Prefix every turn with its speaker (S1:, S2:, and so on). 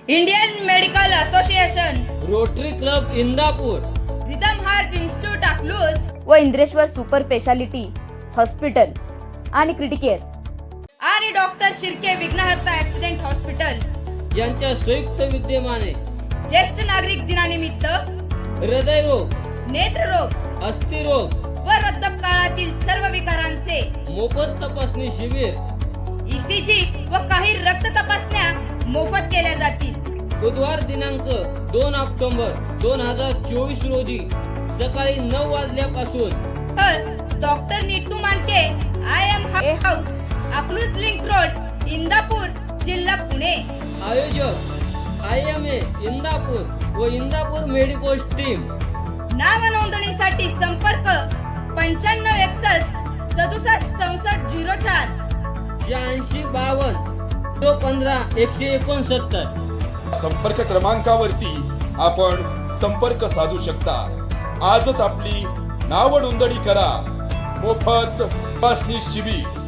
S1: Indian medical association,
S2: rotary club Indapur,
S1: rhythm heart institute Akluj
S3: व Indreshwar super speciality hospital आणि Criticare
S1: आणि doctor Shirke Vighnaharta accident hospital
S2: यांच्या संयुक्त विद्यमाने
S1: ज्येष्ठ नागरिक दिनानिमित्त
S2: हृदयरोग,
S1: नेत्ररोग
S2: अस्थिरोग
S1: व वृद्धकाळातील सर्व विकारांचे
S2: मोफत तपासणी शिबिर
S1: ECG व काही रक्त तपासण्या मोफत केल्या जातील.
S2: बुधवार दिनांक 2 ऑक्टोबर 2024 रोजी सकाळी 9 वाजल्यापासून
S1: doctor Neetu Manke IM house Akluj link road Indapur जिल्हा पुणे.
S2: आयोजक IMA इंदापूर व इंदापूर मेडिकोस टीम.
S1: नाव नोंदणीसाठी संपर्क 9561 67 64 04
S2: 86 52 015 169.
S4: संपर्क क्रमांकावरती आपण संपर्क साधू शकता. आजच आपली नाव नोंदणी करा. मोफत तपासणी शिबिर.